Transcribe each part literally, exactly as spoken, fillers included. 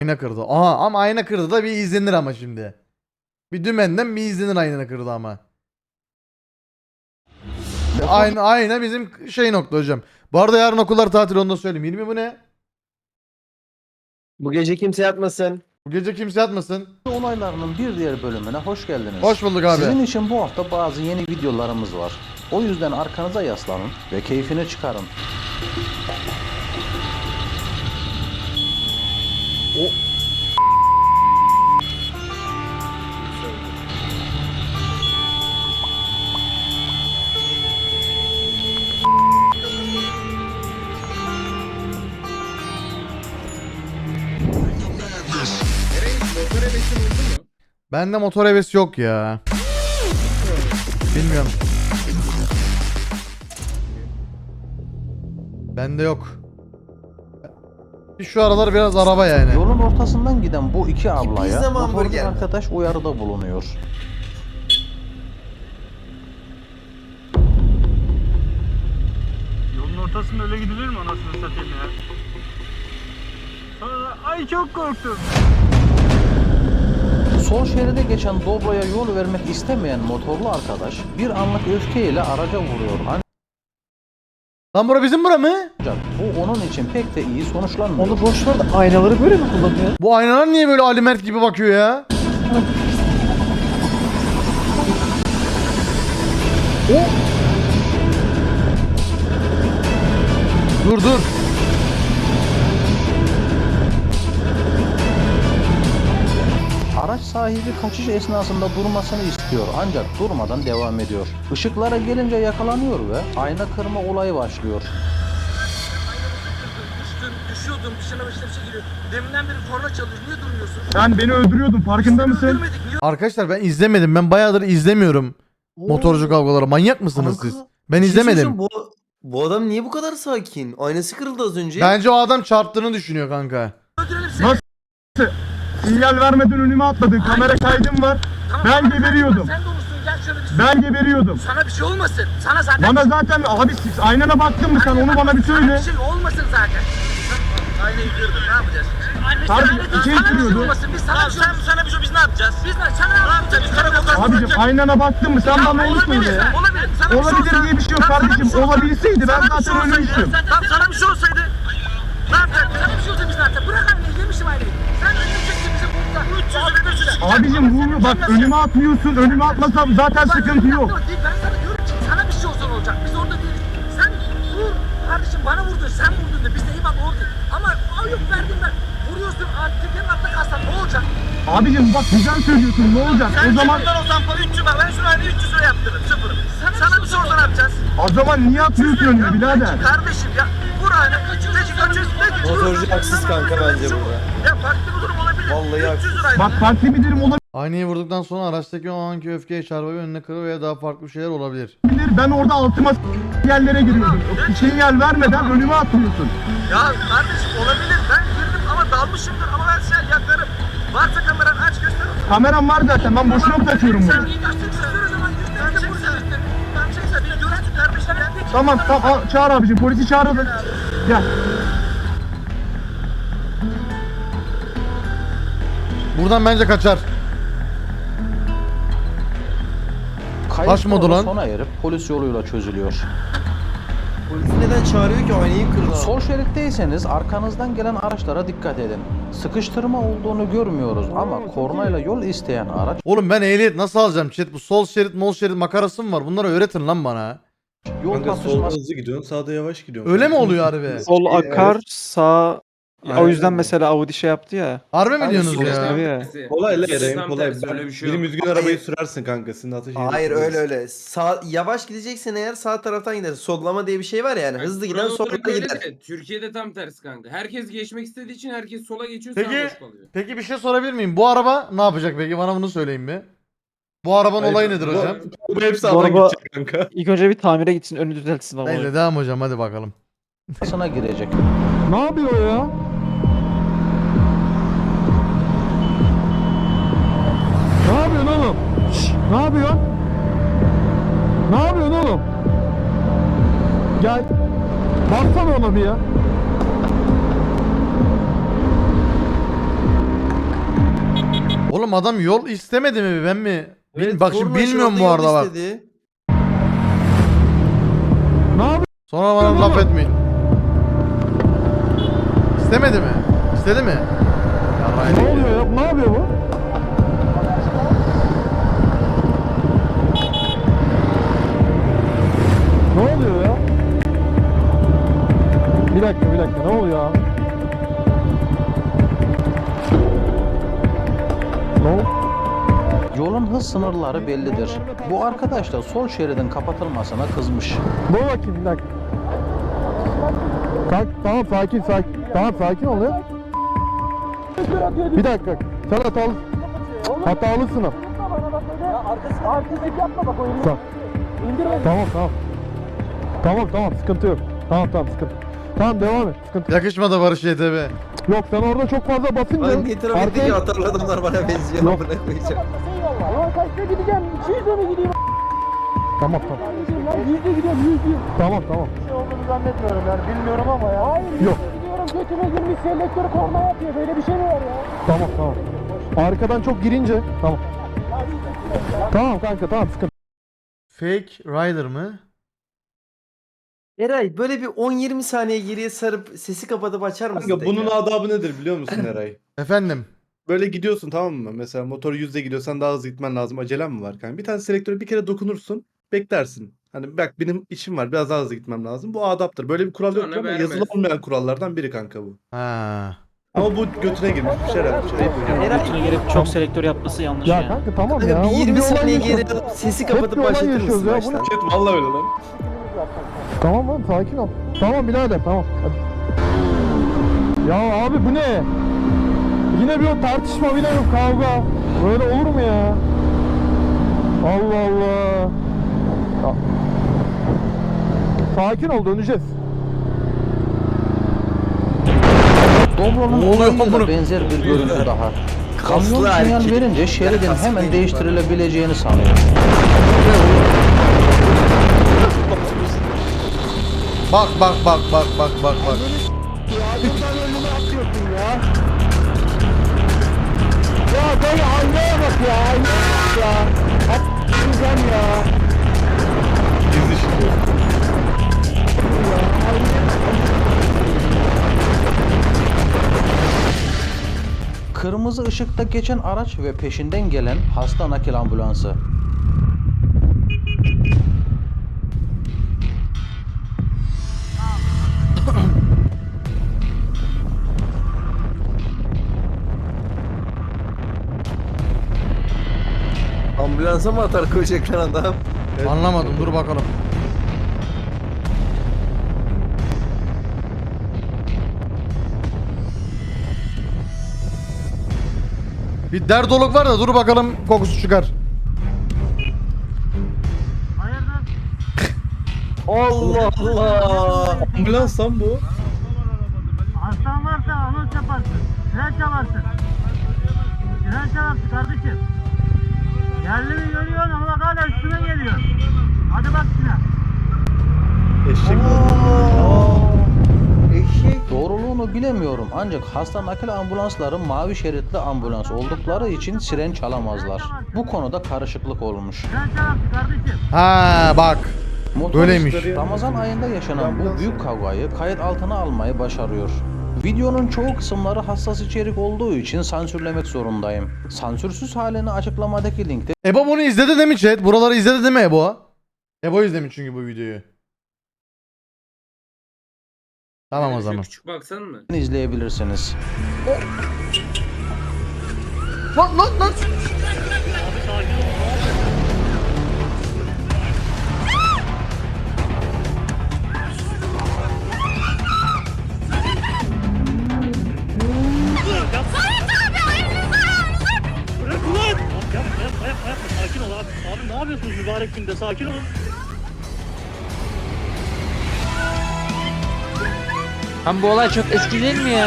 Ayna kırdı. Aha ama ayna kırdı da bir izlenir ama şimdi. Bir dümenden bir izlenir ayna kırdı ama. Ayna, ayna bizim şey nokta hocam. Bu arada yarın okullar tatil, onu da söyleyeyim. yirmi bu ne? Bu gece kimse yatmasın. Bu gece kimse yatmasın. Olaylarının bir diğer bölümüne hoş geldiniz. Hoş bulduk abi. Sizin için bu hafta bazı yeni videolarımız var. O yüzden arkanıza yaslanın ve keyfini çıkarın. O Bende motor hevesi yok ya. Bilmiyorum. Bende yok. Şu aralar biraz araba yani. yolun ortasından giden bu iki ablaya pizza mı, motorcu hamburger mi? arkadaş uyarıda bulunuyor. Yolun ortasında öyle gidilir mi anasını satayım ya? Sonra ay çok korktum. Sol şeride geçen Doblo'ya yol vermek istemeyen motorlu arkadaş bir anlık öfkeyle araca vuruyor. Lan bura bizim bura mı? Ancak bu onun için pek de iyi sonuçlanmıyor. Onu boş ver de aynaları böyle mi kullanıyor? Bu aynalar niye böyle Ali Mert gibi bakıyor ya? O. Dur dur. Araç sahibi kaçış esnasında durmasını istiyor ancak durmadan devam ediyor. Işıklara gelince yakalanıyor ve ayna kırma olayı başlıyor. Düştüm, düşüyordum, dışına başına bir şey giriyor. Deminden beri korna çalıyor, niye durmuyorsun? Sen beni öldürüyordun, farkında mısın? Öldürmedik, niye Arkadaşlar ben izlemedim. Ben bayağıdır izlemiyorum motorcu kavgaları. Manyak mısınız Kanka, siz? Ben bir şey izlemedim. söyleyeceğim, Bu, bu adam niye bu kadar sakin? Aynası kırıldı az önce. Bence o adam çarptığını düşünüyor kanka. öldürelim seni? Nasıl? Sinyal vermeden önüme atladın, kamera kaydım var. Tamam, Ben bana geberiyordum. Sen de olursun, gel şöyle bir Ben geberiyordum. Sana bir şey olmasın. Sana zaten Bana zaten abi siz aynana baktın mı sen, onu bana bir sana söyle. bir şey olmasın zaten. Aynayı kırdın, ne yapacağız? Anne Pardon, sen aynayı şey sana bir şey kırıyordu. olmasın. Biz sana bir şey sen, sana bir şey biz ne yapacağız? Biz ne? Sana ne yapacağız? Biz karakoldan Abicim aynana baktın mı sen, bana onu söyle. Olabilir, olabilir. Sana bir şey Olabilir olsa- diye bir şey yok Tamam, sana bir kardeşim. şey olsa- Olabilseydi ben sana bir zaten şey olsaydı- ölmüştüm. Tamam, sana bir şey olsaydı ne yapacaktın? Sana bir şey olsa biz ne yapacaktık? Bırak aynayı, yemişim aynayı. Sen öleceksin bize burada. üç yüz lira üç yüz. Abicim vurma bak, önüme atmıyorsun, önüme atmasam zaten sıkıntı yok. Ben sana diyorum ki sana bir şey olsa ne olacak? Biz orada değiliz. Sen vur kardeşim, bana vurdun, sen vurdun da biz de eyvallah orada. Ama ay yok verdim ben. Vuruyorsun, tekerin altta kalsan ne olacak? Abicim bak güzel söylüyorsun, ne olacak? Sen O zaman cebinden olsan para üç yüz bak, ben şunu aynı üç yüz lira yaptırırım, sıfırım. Sana, sana bir şey olsa ne yapacağız? o zaman niye atmıyorsun önüme birader? Kardeşim ya vur aynı. Peki kaçıyoruz, peki. Motorcu haksız kanka bence burada. Ya farklı bir durum olabilir. Vallahi üç yüz liraydı. Bak farklı bir durum olabilir. Aynayı vurduktan sonra araçtaki o anki öfkeye çarpıp önüne kırıyor veya daha farklı şeyler olabilir. Ben orada altıma s- yerlere giriyordum. Sinyal vermeden önüme atmıyorsun. Ya kardeşim olabilir, ben girdim ama dalmışımdır ama ben sen yakarım. Varsa kameran aç göster. Kameram var zaten, ben boşuna mı taşıyorum Sen bunu? iyi göster o zaman göster de burada. Ben çekse bir görüntü kardeşim ya. Tamam tamam al, çağır abicim, polisi çağıralım. Gel. Buradan bence kaçar. Kayıp Kaçmadı sonra lan. sona erip polis yoluyla çözülüyor. Polis neden çağırıyor ki, aynayı kırdı? Sol şeritteyseniz arkanızdan gelen araçlara dikkat edin. Sıkıştırma olduğunu görmüyoruz ama kornayla yol isteyen araç Oğlum ben ehliyet nasıl alacağım chat? Bu sol şerit mol şerit makarası mı var? Bunları öğretin lan bana. yol Kanka solda tartışması hızlı gidiyorsun, sağda yavaş gidiyorsun. Öyle mi oluyor harbi? Sol akar, sağ... Aynen O yüzden öyle. mesela Audi şey yaptı ya. Harbi mi Abi diyorsunuz sol- ya? Tabii ya. Kolay la Tam Eren, kolay. tersi, öyle bir şey Benim yok. düzgün arabayı sürersin kanka, sizin ateş Hayır öyle öyle. Sağ, yavaş gideceksen eğer sağ taraftan gider. Sollama diye bir şey var yani. Hızlı giden Kural solda olarak öyle gider. de, Türkiye'de tam tersi kanka. Herkes geçmek istediği için herkes sola geçiyor, Peki, sağ boş kalıyor. peki bir şey sorabilir miyim? Bu araba ne yapacak peki? Bana bunu söyleyin bir. Bu arabanın Hayır, olayı nedir bu- hocam? Bu hepsi Bu sağdan araba- gidecek kanka. İlk önce bir tamire gitsin, önü düzeltsin ama. Neyse devam hocam, hadi bakalım. sına girecek. Ne yapıyor ya? Ne yapıyorsun oğlum? Şşş, ne yapıyorsun? Ne yapıyorsun oğlum? Gel. Baksana ona bir ya. Oğlum adam yol istemedi mi ben mi? Bil- Evet, bak şimdi Torna bilmiyorum bu şurada arada yol bak. istedi. Ne yapıyorsun? Sonra bana laf etmeyin. İstemedi mi? İstedi mi? Yarrayım. Ne oluyor ya? Ne yapıyor bu? Ne oluyor ya? Bir dakika bir dakika ne oluyor abi? Ne oldu? Yolun hız sınırları bellidir. Bu arkadaş da sol şeridin kapatılmasına kızmış. Dur bakayım bir dakika. Kalk, tamam sakin sakin. Tamam sakin ol ya. Bir dakika. Sen hatalı. Hatalısın o. Artistlik yapma bak oyunu. Tamam. Tamam tamam. Tamam tamam sıkıntı yok. Tamam tamam sıkıntı. Tamam devam et. Sıkıntı yok. Yakışmadı Barış Y T B. Yok sen orada çok fazla basınca. Hangi trafikteki arkaya- atarlı adamlar bana benziyor. Yok. Amına koyacağım. Ulan kaçta gideceğim? iki yüze mi gideyim? Tamam tamam. Ben yüzde gidiyorum yüzde. Tamam tamam. Bir şey olduğunu zannetmiyorum yani bilmiyorum ama ya. Hayır Yok. gidiyorum götüme girmiş selektör korna yapıyor böyle bir şey mi var ya? Tamam tamam. Arkadan çok girince. Tamam. Tamam kanka tamam sıkıntı. Fake Rider mı? Eray böyle bir on yirmi saniye geriye sarıp sesi kapatıp açar mısın? Kanka bunun tekrar? adabı nedir biliyor musun Eray? Efendim. Böyle gidiyorsun tamam mı? Mesela motor yüzde gidiyorsan daha hızlı gitmen lazım. Acelen mi var kanka? Bir tane selektöre bir kere dokunursun. Beklersin. Hani bak benim işim var. Biraz daha hızlı gitmem lazım. Bu adaptır. Böyle bir kural yok Sonra ama vermez. yazılı olmayan kurallardan biri kanka bu. Ha. Ama bu götüne girmiş bir şey herhalde. Şey yapıyor. Eray Götüne girip çok selektör yapması yanlış Ya yani. kanka tamam kanka ya. bir Oğlum, yirmi olay saniye yaşıyoruz. geri alıp sesi Hep bir kapatıp olay başlatır yaşıyoruz mısın ya, baştan? bunu- Chat vallahi öyle lan. Tamam lan sakin ol. Tamam birader tamam. Hadi. Ya abi bu ne? Yine bir o tartışma yine bir kavga. Böyle olur mu ya? Allah Allah. Ya. Sakin ol döneceğiz. Doblo'nun Ne oluyor olayıyla bunu? benzer bir görüntü daha. Kamyon Kaslı sinyal erkek. verince şeridin Kaslı hemen erkek. değiştirilebileceğini sanıyor. Bak bak bak bak bak bak bak. Ya böyle aynaya bak ya aynaya bak ya. Gideceğim ya. Gizli şimdi. Kırmızı ışıkta geçen araç ve peşinden gelen hasta nakil ambulansı. Ambulansa mı atar koyacaklar adam? Anlamadım dur bakalım. Bir derdoluk var da dur bakalım kokusu çıkar. Allah Allah. Ambulans lan bu. Hastan varsa anons yaparsın. Fren çalarsın. Fren çalarsın kardeşim. Yerli mi görüyorsun ama bak hala üstüne geliyor. Hadi bak şuna. Eşek mi? Eşek. Doğruluğunu bilemiyorum ancak hasta nakil ambulansları mavi şeritli ambulans oldukları için siren çalamazlar. Bu konuda karışıklık olmuş. Fren çalarsın kardeşim. Ha bak. Böyleymiş. Motorist Ramazan ayında yaşanan bu büyük kavgayı kayıt altına almayı başarıyor. Videonun çoğu kısımları hassas içerik olduğu için sansürlemek zorundayım. Sansürsüz halini açıklamadaki linkte Ebo bunu izledi değil mi chat? Buraları izledi değil mi Ebo? Ebo izlemiş çünkü bu videoyu. Tamam o Şöyle zaman. Küçük baksan mı? izleyebilirsiniz. Lan lan lan. Bırak ulan! Yapma yapma yapma yapma sakin ol abi. Abi ne yapıyorsunuz mübarek günde sakin olun. Lan bu olay çok eski değil mi ya?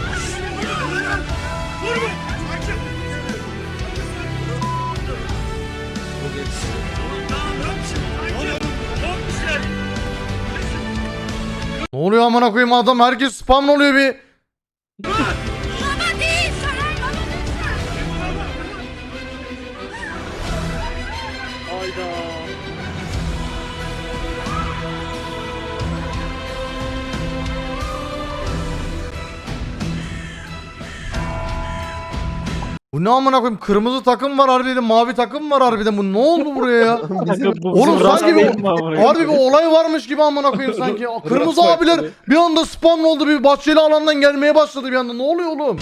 Ne oluyor amına koyayım adam herkes spam oluyor bir. Bu ne amına koyayım? Kırmızı takım var harbiden, mavi takım var harbiden. Bu ne oldu buraya ya? Bu Oğlum bizim sanki değil bir, mi amına harbi bir olay varmış gibi amına koyayım sanki. Kırmızı Rast abiler farklı. bir anda spawn oldu, bir bahçeli alandan gelmeye başladı bir anda. Ne oluyor oğlum?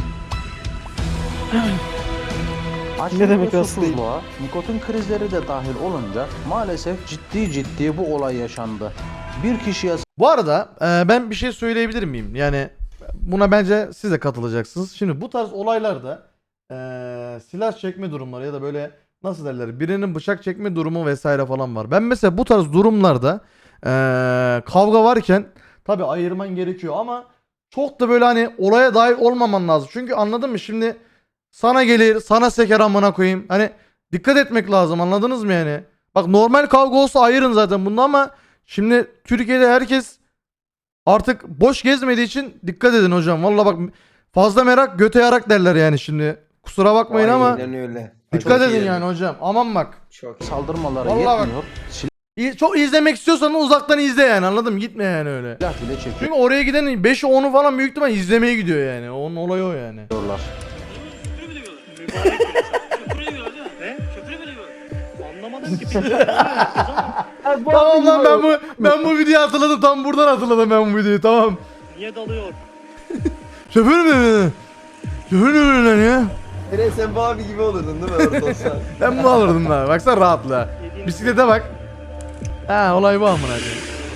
Açlık Ne demek ve rastlayın? susuzluğa, nikotin krizleri de dahil olunca maalesef ciddi ciddi bu olay yaşandı. Bir kişiye Bu arada e, ben bir şey söyleyebilir miyim? Yani buna bence siz de katılacaksınız. Şimdi bu tarz olaylarda e, silah çekme durumları ya da böyle nasıl derler, birinin bıçak çekme durumu vesaire falan var. Ben mesela bu tarz durumlarda e, kavga varken tabii ayırman gerekiyor ama çok da böyle hani olaya dahil olmaman lazım. Çünkü anladın mı? Şimdi sana gelir, sana seker amına koyayım. Hani dikkat etmek lazım, anladınız mı yani? Bak normal kavga olsa ayırın zaten bunda ama şimdi Türkiye'de herkes artık boş gezmediği için dikkat edin hocam. Vallahi bak, fazla merak göte yarak derler yani şimdi. Kusura bakmayın ama Aynen öyle. dikkat Çok edin iyi. yani hocam. Aman bak. Çok iyi. saldırmaları Vallahi bak. yetmiyor, İyi- Çok izlemek istiyorsan uzaktan izle yani, anladın mı? Gitme yani öyle. silah bile çekiyorlar. Çünkü oraya giden beşi onu falan büyük ihtimal izlemeye gidiyor yani. Onun olayı o yani. Küfür bile yiyorlar. Mübarek bile. Küfür bile yiyorlar değil mi? Ne? Küfür bile yiyorlar. Anlamadım ki. Tamam lan, ben bu ben bu videoyu hatırladım. Tam buradan hatırladım ben bu videoyu, tamam. Niye dalıyor? Şoför mü? Şoför mü lan ya? Enes sen bu abi gibi olurdun değil mi orada olsan? Ben bunu alırdım lan. Baksana rahatla. Bisiklete bak. Ha, olay bu amına koyayım.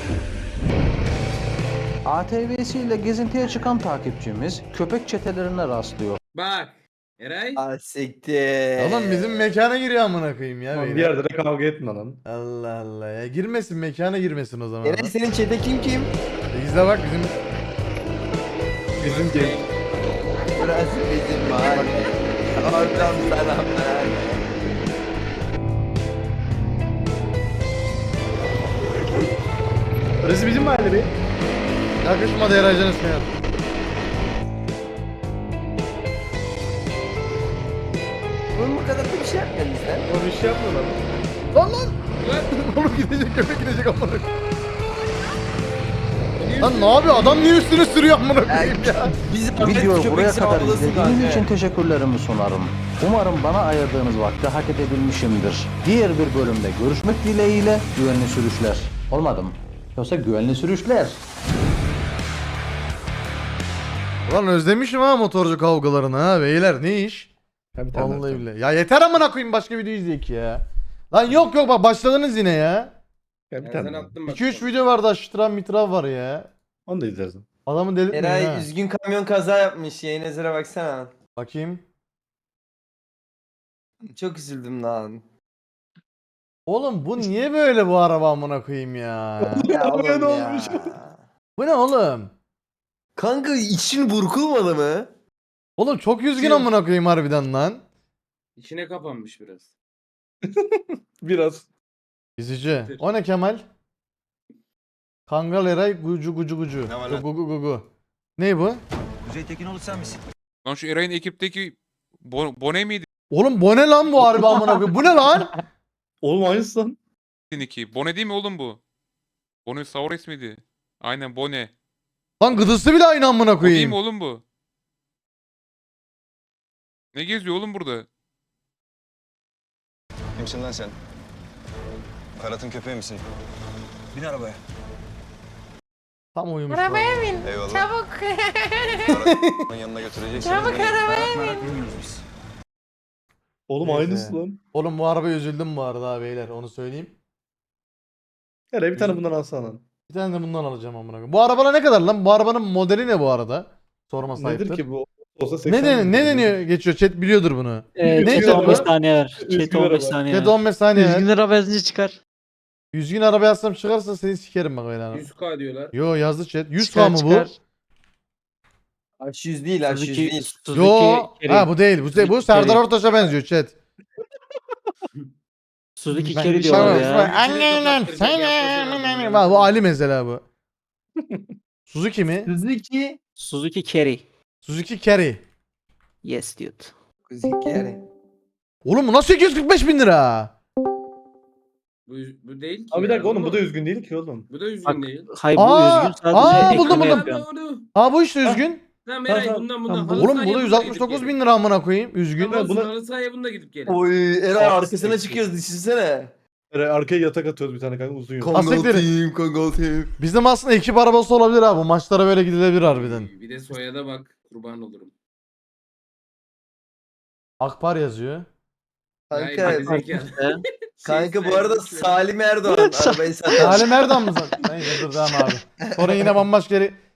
A T V'siyle gezintiye çıkan takipçimiz köpek çetelerine rastlıyor. Bak. Eray. Ah siktir. Oğlum bizim mekana giriyor amına koyayım ya. Lan bir beyler. yerde de kavga etme lan. Allah Allah ya. Girmesin, mekana girmesin o zaman. Enes senin çete kim kim? İzle bak bizim. Bizim genç. Burası bizim mahalle. Oradan selamlar. Burası bizim mahalle be. Yakışmadı Eraycan'ın seyahat. Oğlum bu kadar da bir şey yapmadın sen. O bir şey yapma lan. Lan lan. Oğlum gidecek, köpek gidecek amına koyayım. Lan ne yapıyor? Adam niye üstüne sürüyor amına koyayım ya? Biz Videoyu buraya kadar izlediğiniz için teşekkürlerimi sunarım. Umarım bana ayırdığınız vakti hak edebilmişimdir. Diğer bir bölümde görüşmek dileğiyle güvenli sürüşler. Olmadı mı? Yoksa güvenli sürüşler. Lan özlemişim ha motorcu kavgalarını ha beyler, ne iş? Ya bir tane daha Vallahi tamam. billahi. Ya yeter amına koyayım, başka video izleyek ya. Lan yok yok bak, başladınız yine ya. Ya bir Ben tane sana daha. attım bak. iki üç video vardı, aştıran mitrav var ya. Onu da izlersin. Adamı delirtmeyin Eray ha. üzgün kamyon kaza yapmış. Yayın ezere baksana. Bakayım. Çok üzüldüm lan. Oğlum bu niye böyle bu araba amına koyayım ya? Ya Arabaya oğlum ne ya. olmuş? Bu ne oğlum? Kanka için burkulmadı mı? Oğlum çok üzgün Kim? amına koyayım harbiden lan. İçine kapanmış biraz. Biraz. Üzücü. O ne Kemal? Kangal Eray gucu gucu gucu. Ne var lan? Gugu gugu gugu. Ne bu? Kuzey Tekinoğlu sen misin? Lan şu Eray'ın ekipteki Bo- Bone miydi Oğlum bu ne lan bu harbi amına koyayım? Bu ne lan? Oğlum aynısı lan. ki? Bone değil mi oğlum bu? Bone Saures miydi? Aynen Bone. Lan gıdısı bile aynı amına O değil koyayım. mi oğlum bu? Ne geziyor oğlum burada? Kimsin lan sen? Karat'ın köpeği misin? Bin arabaya. Tam uyumuş. Arabaya lan. bin. Eyvallah. Çabuk. Karat'ın yanına götüreceksin. Çabuk arabaya bin. bilmiyoruz biz. Oğlum Neyse. aynısı lan. Oğlum bu arabaya üzüldüm bu arada ha beyler, onu söyleyeyim. Eray bir tane bundan alsana lan. Bir tane de bundan alacağım amına koyayım. Bu arabalar ne kadar lan? Bu arabanın modeli ne bu arada? Sorma sahiptir. Nedir ki bu? Olsa Ne seksen deniyor? bin Ne lira. deniyor? Geçiyor. Chat biliyordur bunu. Ee, Ne chat diyor on beş bu? saniye ver. Üzgün Chat on beş araba. saniye Chat ver. on beş saniye. yüz bin lira benzinci çıkar. yüz gün araba yazsam çıkarsa seni sikerim bak öyle hanım. yüz K diyorlar. Yo yazdı chat. yüz K Çıkar, mı bu? çıkar. H yüz değil H yüz Suzuki, değil. Suzuki Yo. Carry. Ha bu değil. Bu, değil. bu Suzuki Serdar Carry. Ortaç'a benziyor chat. Suzuki Ben- Carry Tamam, diyorlar tamam. ya. Annenem sen Bak bu Ali mesela bu. Suzuki mi? Suzuki. Suzuki Carry. Suzuki Carry. Yes dude. Suzuki yani. Oğlum bu nasıl sekiz yüz kırk beş bin lira? Bu, bu değil ki. Abi bir ya, dakika oğlum bu da mu? üzgün değil ki oğlum. Bu da üzgün Bak, değil. Hayır bu Aa, üzgün sadece aa, ekleme buldum, buldum. yapıyor. Aa bu işte üzgün. Tamam Eray Tamam, bundan tamam. bundan. Halı Oğlum sahaya bu da bununla yüz altmış gidip dokuz gelin. bin lira amına koyayım. Üzgün. Tamam olsun, buna- halı sahaya bununla gidip gelin. Oy Eray Aa, arkasına seksi. çıkıyoruz düşünsene. Eray, arkaya yatak atıyoruz bir tane kanka uzun yol. Kon- Kongol Asiktir. team, Kongol team. Bizim aslında ekip arabası olabilir abi. Bu maçlara böyle gidilebilir harbiden. Bir de soyada bak kurban olurum. Akpar yazıyor. Hayır, Kanka, gerizekalı. kanka bu Şey, arada sen- Salim Erdoğan arabayı satan. Halim Erdem mi sen? Neyse dur devam abi. Sonra yine bambaşka yere